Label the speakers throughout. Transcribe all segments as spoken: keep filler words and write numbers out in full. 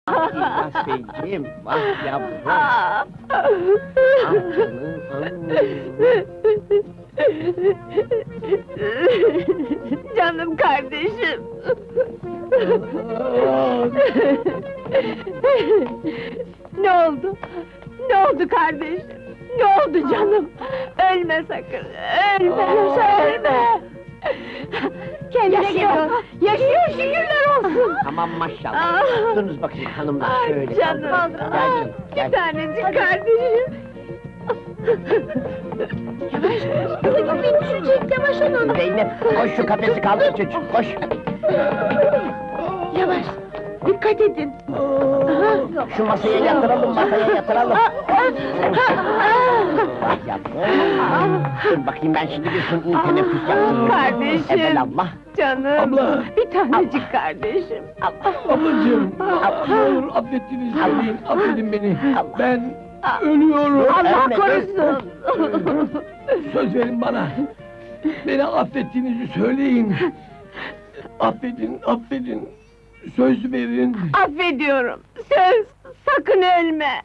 Speaker 1: İlyas Beyciğim, vah yavrum! Ah canım,
Speaker 2: Canım kardeşim! Ne oldu? Ne oldu kardeşim? Ne oldu canım? Ölme sakın! Ölme, ölme! Kendine geliyor! Yaşıyor, şükürler olsun!
Speaker 1: tamam maşallah!
Speaker 2: Ah!
Speaker 1: Durunuz bakayım hanımlar,
Speaker 2: Ay
Speaker 1: şöyle
Speaker 2: canım!
Speaker 1: kaldırın. Gel
Speaker 2: Ah,
Speaker 1: canım, gel!
Speaker 2: bir tanecik kardeşim! Yavaş! Kızım beni düşecek, yavaş olun!
Speaker 1: Zeynep, koş şu kafesi kaldır çocuk, koş!
Speaker 2: Yavaş! Dikkat edin!
Speaker 1: Şu masaya yatıralım, masaya yatıralım! Vah yavrum! Dur bakayım ben şimdi bir suni teneffüs yaptım.
Speaker 2: Kardeşim!
Speaker 1: Evelallah!
Speaker 2: Canım!
Speaker 3: Abla!
Speaker 2: Bir tanecik kardeşim!
Speaker 3: Ablacığım,
Speaker 2: Ah!
Speaker 3: ne olur affettiğinizi söyleyin, affedin beni.
Speaker 1: Allah.
Speaker 3: Ben ölüyorum.
Speaker 2: Allah
Speaker 1: Ölme,
Speaker 2: korusun!
Speaker 3: Söz verin bana. Beni affettiğinizi söyleyin. Affedin, affedin. Söz verin.
Speaker 2: Affediyorum! Söz! Sakın ölme!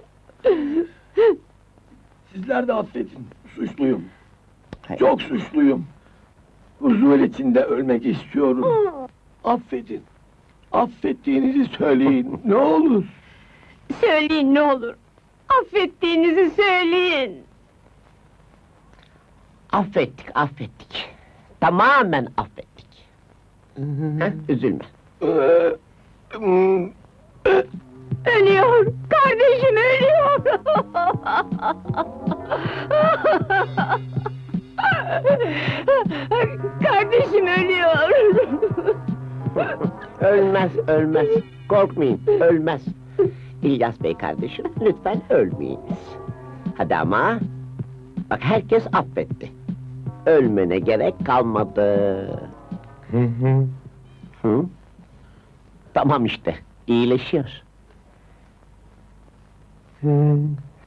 Speaker 3: Sizler de affedin. Suçluyum.
Speaker 1: Hayır.
Speaker 3: Çok suçluyum. Huzur içinde ölmek istiyorum. Affedin. Affettiğinizi söyleyin. Ne olur.
Speaker 2: Söyleyin ne olur! Affettiğinizi söyleyin!
Speaker 1: Affettik, affettik! Tamamen affettik! Heh, üzülme!
Speaker 3: Ee, hmm,
Speaker 2: Ölüyor! Kardeşim ölüyor! Kardeşim ölüyor!
Speaker 1: Ölmez, ölmez! Korkmayın, ölmez! İlyas Bey kardeşim, lütfen ölmeyiniz! Hadi ama! Bak herkes affetti! Ölmene gerek kalmadı! Hı hı! Hı? Tamam işte, iyileşiyor! Hı.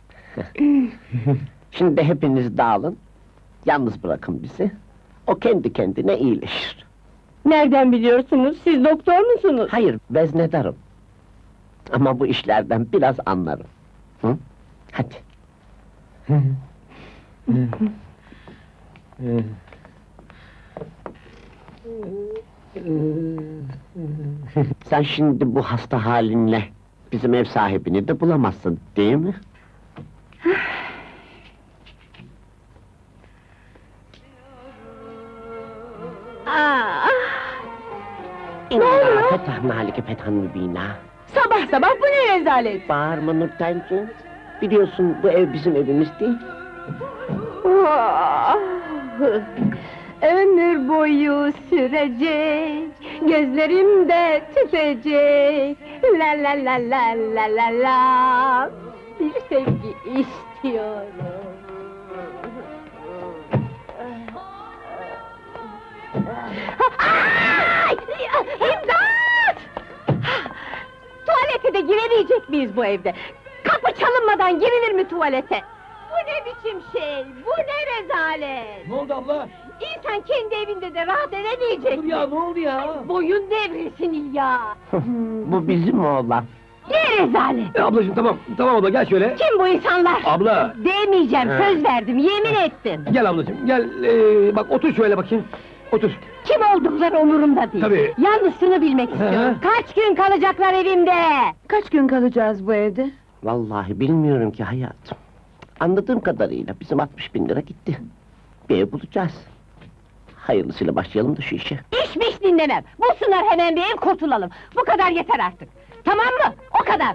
Speaker 1: Şimdi hepiniz dağılın, yalnız bırakın bizi, o kendi kendine iyileşir.
Speaker 2: Nereden biliyorsunuz? Siz doktor musunuz?
Speaker 1: Hayır, veznedarım. Ama bu işlerden biraz anlarım. Hı? Hadi. Sen şimdi bu hasta halinle bizim ev sahibini de bulamazsın, değil mi?
Speaker 2: Aa,
Speaker 1: İnna fetahna alike fethan mübina.
Speaker 2: sabah sabah bu ne rezalet?
Speaker 1: Bağırma Nurtenciğim. Biliyorsun bu ev bizim evimiz değil.
Speaker 2: Ah! Ömür boyu sürecek, gözlerimde tütecek. La la la la la la la. Bir sevgi istiyorum. Ay! İmdat! Tuvalete de giremeyecek miyiz bu evde? Kapı çalınmadan girilir mi tuvalete? Bu ne biçim şey? Bu ne rezalet?
Speaker 3: ne oldu abla?
Speaker 2: İnsan kendi evinde de rahat edemeyecek
Speaker 3: Dur
Speaker 2: mi?
Speaker 3: ya, ne oldu ya?
Speaker 2: Boyun devrilsin İlya!
Speaker 1: Bu bizim oğlan.
Speaker 2: Ne rezalet!
Speaker 3: E, ablacığım tamam, tamam abla gel şöyle.
Speaker 2: Kim bu insanlar?
Speaker 3: Abla!
Speaker 2: Demeyeceğim,
Speaker 3: He.
Speaker 2: söz verdim, yemin ettim!
Speaker 3: Gel ablacığım, gel, ee, bak otur şöyle bakayım. Otur.
Speaker 2: Kim oldukları umurumda değil!
Speaker 3: Tabii.
Speaker 2: Yalnız şunu bilmek istiyorum,
Speaker 3: He.
Speaker 2: kaç gün kalacaklar evimde?
Speaker 4: Kaç gün kalacağız bu evde?
Speaker 1: Vallahi bilmiyorum ki hayatım. Anladığım kadarıyla bizim altmış bin lira gitti. Bir ev bulacağız. Hayırlısıyla başlayalım da şu işe.
Speaker 2: İşmiş dinlemem! Bulsunlar hemen bir ev, kurtulalım! Bu kadar yeter artık! Tamam mı? O kadar!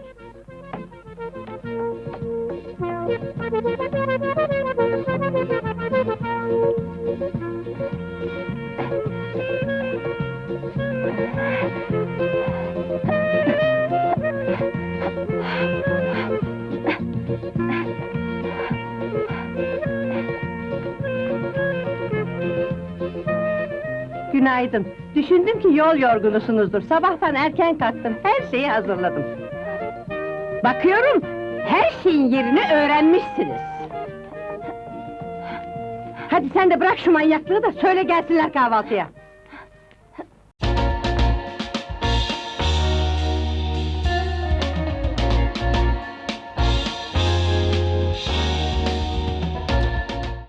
Speaker 2: Günaydın. Düşündüm ki yol yorgunusunuzdur. Sabahtan erken kalktım, her şeyi hazırladım. Bakıyorum, her şeyin yerini öğrenmişsiniz. Hadi sen de bırak şu manyaklığı da söyle gelsinler kahvaltıya.